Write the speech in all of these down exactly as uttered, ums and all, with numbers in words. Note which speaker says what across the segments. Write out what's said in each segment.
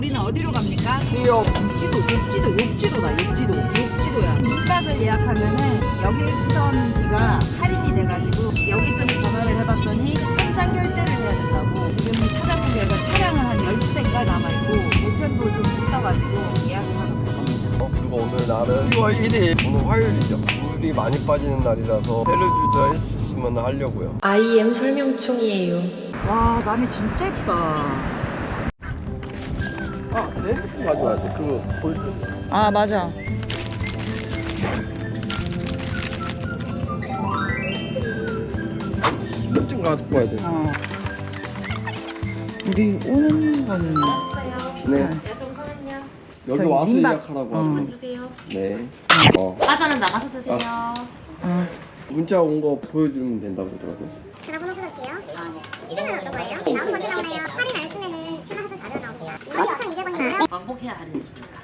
Speaker 1: 우리는 어디로 갑니까?
Speaker 2: 기억.
Speaker 1: 욕지도, 욕지도, 욕지도다, 욕지도, 욕지도야. 민박을 예약하면은 여객선비가 할인이 돼가지고 여객선에 전화를 해봤더니 현장 결제를 해야 된다고. 지금 찾아본 결과 차량은 한 열두 대가 남아있고 우편도 좀 비싸가지고 예약을 하고 들어갑니다.
Speaker 2: 어, 그리고 오늘 날은 시월 일일, 오늘 화요일이죠. 물이 많이 빠지는 날이라서 패러주저 할 수 있으면 하려고요.
Speaker 3: 아이엠 설명충이에요.
Speaker 1: 와, 남이 진짜 예쁘다.
Speaker 2: 아, 내 핸드폰 가져와야 돼. 그거 보여줘.
Speaker 1: 아, 맞아.
Speaker 2: 신분증 갖고 와야 돼.
Speaker 1: 어. 우리 오는 거는
Speaker 2: 네.
Speaker 4: 잠깐만요.
Speaker 2: 여기
Speaker 1: 저기
Speaker 2: 와서
Speaker 1: 민박.
Speaker 2: 예약하라고
Speaker 1: 어.
Speaker 2: 하고.
Speaker 4: 주세요.
Speaker 2: 네. 어.
Speaker 4: 과자는 나가서 드세요.
Speaker 1: 어.
Speaker 2: 문자 온 거 보여주면 된다고 그러더라고요.
Speaker 5: 전화번호 써주세요. 아, 네. 이름은 어떤 거예요? 나오는 먼저 나오나요? 할인 안 쓰면은 칠만 사천사백 원 나오세요. 이만 칠천이백 원이고요.
Speaker 4: 왕복해야 할인해 줍니다.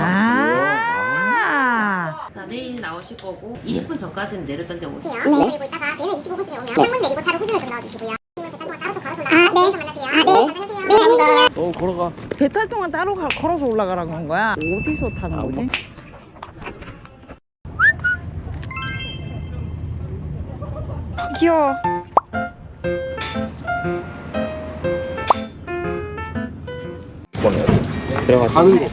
Speaker 1: 아.
Speaker 4: 자, 내일 나오실 거고 이십 분 전까지는 내렸던 데 오세요.
Speaker 5: 네. 내리고 있다가 배는 이십오 분쯤에 오면 창문 내리고 차를 후진을 좀 넣어주시고요. 아니면 배탈 동안 따로 좀 걸어서 올라가요. 아, 네. 만나세요. 아, 네. 안녕하세요. 네, 안녕하세요.
Speaker 2: 어, 걸어가.
Speaker 1: 배탈 동안 따로 가, 걸어서 올라가라는 건 거야? 어디서 타는 거지? 귀여워.
Speaker 2: 들어가. 가는 거.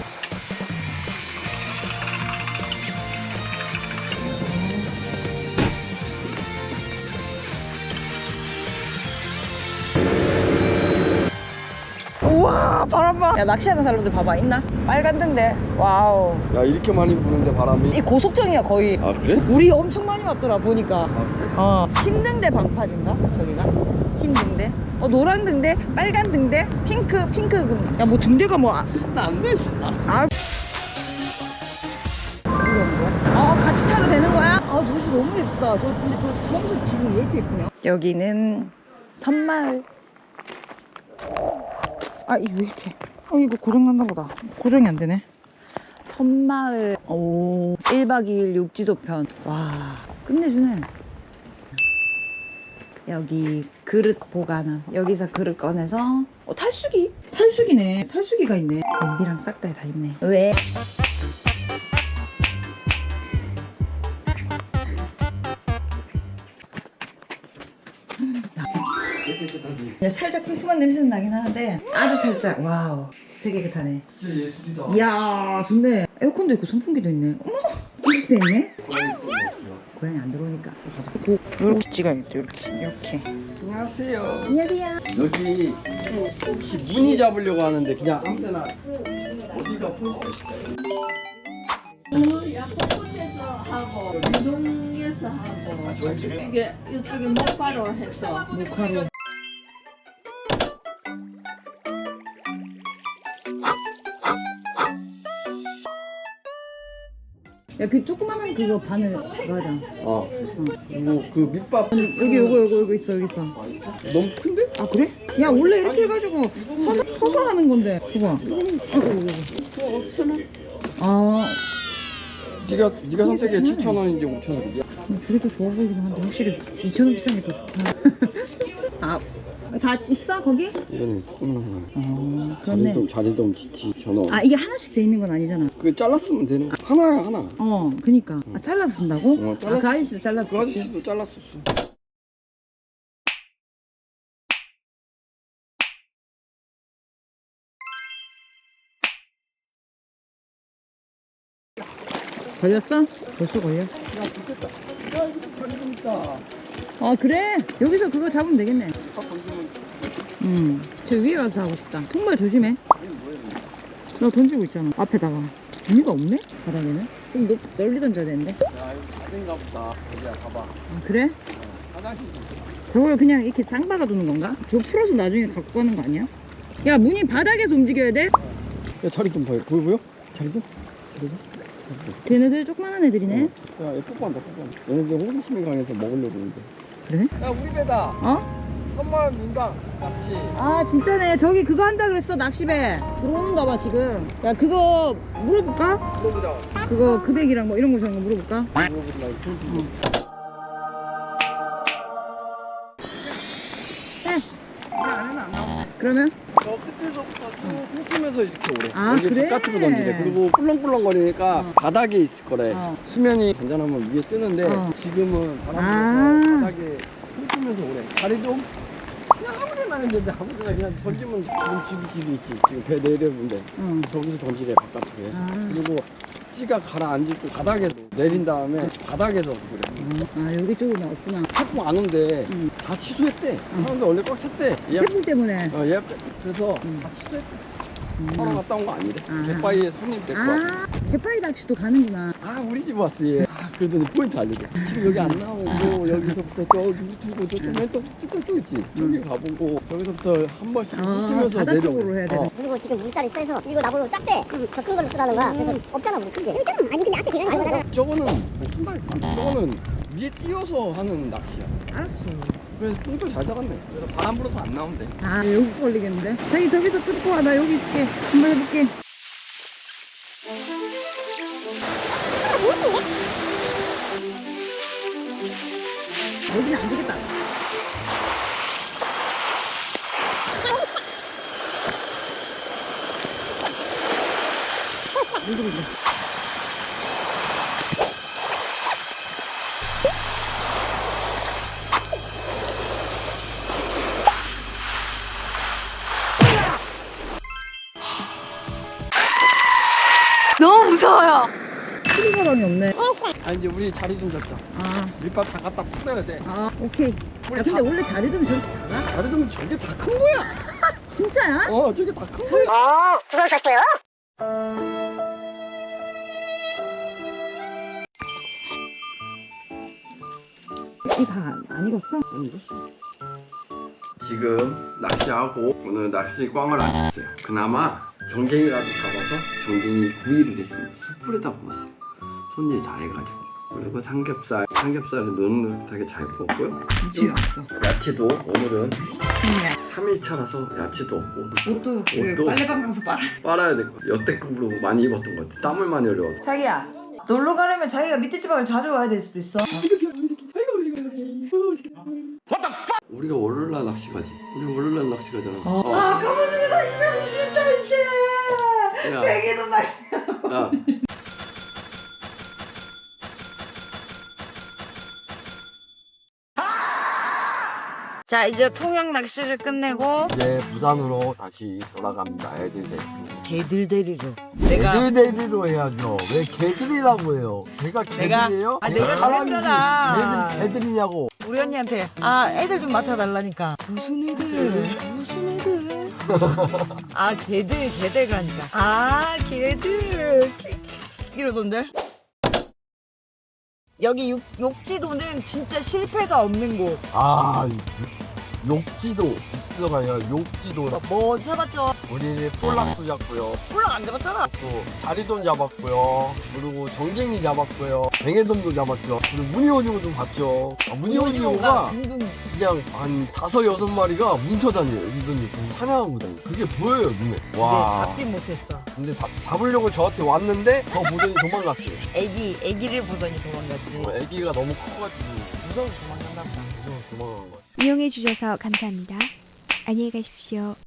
Speaker 1: 우와, 바람 봐. 야, 낚시하는 사람들 봐봐, 있나? 빨간 등대. 와우.
Speaker 2: 야, 이렇게 많이 부는데 바람이.
Speaker 1: 이 고속정이야, 거의.
Speaker 2: 아, 그래?
Speaker 1: 우리 엄청 많이 왔더라, 보니까.
Speaker 2: 아, 그래?
Speaker 1: 어. 흰 등대 방파제인가? 저기가? 흰 등대. 어, 노란 등대, 빨간 등대, 핑크, 핑크. 등- 야, 뭐 등대가 뭐. 아,
Speaker 2: 나안 돼. 났어.
Speaker 1: 아. 이거 뭐야? 어, 같이 타도 되는 거야? 아, 도시 너무 예쁘다. 저, 근데 저 주황색 지금 왜 이렇게 예쁘냐? 여기는 섬마을. 아, 이거 왜 이렇게. 어, 이거 고장났나 보다. 고정이 안 되네. 섬마을. 오, 일 박 이 일 육지도 편. 와, 끝내주네. 여기 그릇 보관함. 여기서 그릇 꺼내서. 어, 탈수기? 탈수기네. 탈수기가 있네. 냄비랑 싹 다 다 있네. 왜? 살짝 쿰쿰한 냄새는 나긴 하는데 아주 살짝. 와우, 진짜 깨끗하네.
Speaker 2: 진짜 예술이다.
Speaker 1: 이야, 좋네. 에어컨도 있고 선풍기도 있네. 어머, 이렇게 돼 있네. 고양이 안 들어오니까. 가자. 고, 이렇게 찍어야겠다. 이렇게, 이렇게.
Speaker 2: 안녕하세요.
Speaker 1: 안녕하세요.
Speaker 2: 여기 혹시 무늬 잡으려고 하는데 그냥 아무데나 어디가 풀
Speaker 6: 야포트에서 하고 운동에서 하고 이게 이쪽에 목바로 해서
Speaker 1: 목화로. 야, 그 조그만한 그거 바늘 그거 하자.
Speaker 2: 어. 그리고 그 밑밥
Speaker 1: 여기 요거 요거 요거 있어, 여기 있어.
Speaker 2: 너무 큰데?
Speaker 1: 아, 그래? 야, 원래 이렇게 해가지고 서서, 서서 하는 건데. 줘봐.
Speaker 6: 그 오천 원.
Speaker 1: 아,
Speaker 2: 네가 네가 선택해 칠천 원인지 오천 원이야.
Speaker 1: 음, 저게 더 좋아 보이긴 한데 확실히 이천 원 비싼 게 더 좋다. 아, 다 있어 거기?
Speaker 2: 이거는 조금만 하나.
Speaker 1: 어, 그렇네.
Speaker 2: 자리돔 자리돔 지치 전어.
Speaker 1: 아, 이게 하나씩 돼 있는 건 아니잖아.
Speaker 2: 그 잘랐으면 되는 거. 하나야 하나.
Speaker 1: 어, 그니까. 아, 잘라서 쓴다고?
Speaker 2: 어, 잘랐어.
Speaker 1: 아, 그 아저씨도 잘랐어.
Speaker 2: 그 아저씨도 잘랐었어.
Speaker 1: 걸렸어? 벌써 걸려? 아, 그래? 여기서 그거 잡으면 되겠네. 음, 저 위에 와서 하고 싶다. 정말 조심해. 나 던지고 있잖아. 앞에다가. 의미가 없네? 바닥에는? 좀 높, 널리 던져야 되는데.
Speaker 2: 야 이거 아닌가 보다. 여기야 봐봐.
Speaker 1: 아, 그래?
Speaker 2: 화장실.
Speaker 1: 저걸 그냥 이렇게 짱 박아두는 건가? 저 풀어서 나중에 갖고 가는 거 아니야? 야, 문이 바닥에서 움직여야 돼?
Speaker 2: 야 자리돔 보여 보여 보여? 자리돔? 자리돔?
Speaker 1: 쟤네들 조그만한 애들이네.
Speaker 2: 야, 얘 뽀뽀한다, 뽀뽀한다. 얘네들 호기심이 강해서 먹으려고 그러는데.
Speaker 1: 그래?
Speaker 2: 야, 우리 배다.
Speaker 1: 어?
Speaker 2: 선마을 민박 낚시.
Speaker 1: 아, 진짜네. 저기 그거 한다 그랬어, 낚시배. 들어오는가 봐, 지금. 야, 그거 물어볼까?
Speaker 2: 물어보자.
Speaker 1: 그거 금액이랑 뭐 이런 거 저런 거 물어볼까?
Speaker 2: 물어보자. 응.
Speaker 1: 네. 안에는 안 나와.
Speaker 7: 그러면?
Speaker 2: 저 끝에서부터 쭉 훑으면서 이렇게 오래.
Speaker 7: 아,
Speaker 2: 여기
Speaker 7: 그래?
Speaker 2: 바깥으로 던지래. 그리고 꿀렁꿀렁거리니까
Speaker 7: 어.
Speaker 2: 바닥에 있을 거래.
Speaker 7: 어.
Speaker 2: 수면이 잔잔하면 위에 뜨는데
Speaker 7: 어.
Speaker 2: 지금은 바람
Speaker 7: 아.
Speaker 2: 불어서 바닥에 훑으면서 오래. 다리도 그냥 아무데나 있는데 아무데나 그냥 던지면 지금 집이 집이 있지. 지금 배 내려본데
Speaker 7: 어.
Speaker 2: 저기서 던지래 바깥으로 해서.
Speaker 7: 아.
Speaker 2: 그리고 찌가 가라앉을 때 바닥에서 내린 다음에 바닥에서 그래.
Speaker 7: 아, 여기 쪽은 없구나.
Speaker 2: 태풍 안 온대.
Speaker 7: 응.
Speaker 2: 다 취소했대.
Speaker 7: 응.
Speaker 2: 사람들 원래 꽉 찼대. 예약,
Speaker 7: 태풍 때문에.
Speaker 2: 어, 예약, 그래서
Speaker 7: 응.
Speaker 2: 다 취소했대.
Speaker 7: 음.
Speaker 2: 하나 갔다 온 거 아니래.
Speaker 7: 아.
Speaker 2: 갯바위에 손님 데리고 왔대.
Speaker 7: 아, 개파이 낚시도 가는구나.
Speaker 2: 아 우리 집 왔어 얘. 아 그러더니 포인트 알려줘. 지금 여기 안 나오고 여기서부터 저기 두고 저쪽 맨또 저쪽 있지. 저기 가보고 여기서부터 한 번씩
Speaker 7: 어,
Speaker 2: 훑으면서
Speaker 7: 바다
Speaker 2: 내려.
Speaker 7: 쪽으로 해야 되네.
Speaker 5: 그리고 지금 물살이 세서 이거 나보고 작대. 더 큰 걸로 쓰라는 거야. 그래서 없잖아 우리 큰 게. 아니 근데 앞에 계란이 거잖아.
Speaker 2: 저거는 못 쓴다니까. 저거는 위에 띄어서 하는 낚시야.
Speaker 7: 알았어.
Speaker 2: 그래서 똥도 잘 잡았네. 그래서 바람 불어서 안 나온대.
Speaker 7: 아, 여기 걸리겠는데? 자기 저기서 끊고 와. 나 여기 있을게. 한번 해볼게. 여기는 안 되겠다. 이거 이거.
Speaker 1: 너무 무서워요.
Speaker 7: 크리바람이 없네.
Speaker 2: 아 이제 우리 자리 좀 잡자.
Speaker 7: 아,
Speaker 2: 밀밥 다 갖다 풀어야 돼.
Speaker 7: 아, 오케이. 야,
Speaker 2: 우리
Speaker 7: 근데
Speaker 2: 자-
Speaker 7: 원래 자리 좀 저렇게 작아?
Speaker 2: 자리 좀 저게 다 큰 거야.
Speaker 7: 진짜야?
Speaker 2: 어 저게 다 큰 거야.
Speaker 5: 아 그걸 사실요?
Speaker 7: 이 다 안 익었어?
Speaker 2: 안 익었어. 지금 낚시하고 오늘 낚시 꽝을 안 쳤어요. 그나마 정갱이라도 잡아서 정갱이 구이를 했습니다. 숯불에다 구웠어요. 손질 다 해가지고. 그리고 삼겹살, 삼겹살을 노릇노릇하게 잘 구웠고요.
Speaker 7: 김치가 없어.
Speaker 2: 야채도 오늘은
Speaker 7: 그냥
Speaker 2: 삼 일 차라서 야채도 없고
Speaker 7: 옷도 그
Speaker 2: 옷도
Speaker 7: 빨래방 가서 빨아.
Speaker 2: 빨아야 될 거. 여태급으로 많이 입었던 것 같아. 땀을 많이 흘려서.
Speaker 1: 자기야, 놀러 가려면 자기가 밑에 지방을 자주 와야 될 수도 있어.
Speaker 2: 우리가 월요일날 낚시 가지. 우리 월요일날 낚시 가잖아. 어.
Speaker 1: 아, 가만히 낚시하고 싶다 이제.
Speaker 2: 야,
Speaker 1: 베개도 낚시.
Speaker 2: 야.
Speaker 1: 자, 이제 통영 낚시를 끝내고
Speaker 2: 이제 부산으로 다시 돌아갑니다. 애들 셋.
Speaker 1: 개들 데리러.
Speaker 2: 애들 데리러 해야죠. 왜 개들이라고 해요? 걔가
Speaker 1: 내가-
Speaker 2: 개들이에요?
Speaker 1: 아, 내가
Speaker 2: 사람이지.
Speaker 1: 그랬잖아.
Speaker 2: 애들 개들이냐고.
Speaker 1: 우리 언니한테 아 애들 좀 맡아달라니까 무슨 애들 무슨 애들 아 개들 개들 가니까 아 개들 이러던데 여기 욕, 욕지도는 진짜 실패가 없는 곳.
Speaker 2: 아, 욕지도. 욕지도가 아니라 욕지도.
Speaker 1: 뭐 잡았죠?
Speaker 2: 우리 폴락도 잡고요.
Speaker 1: 폴락 안 잡았잖아.
Speaker 2: 또 자리돈 잡았고요. 그리고 정갱이 잡았고요. 뱅에돔도 잡았죠. 그리고 무늬오징어도 봤죠. 아, 무늬오징어가
Speaker 1: 둥둥.
Speaker 2: 그냥 한 다섯 여섯 마리가 뭉쳐다녀요. 이분이 사냥하고 다녀요. 그게 보여요 눈에.
Speaker 1: 근데
Speaker 2: 와.
Speaker 1: 잡지 못했어.
Speaker 2: 근데 잡, 잡으려고 저한테 왔는데 저 보더니 도망갔어요.
Speaker 1: 애기 애기를 보더니 도망갔지.
Speaker 2: 어, 애기가 너무 커가지고
Speaker 1: 무서워서 도망간다.
Speaker 2: 무서워서 도망간 거야.
Speaker 8: 이용해 주셔서 감사합니다. 안녕히 가십시오.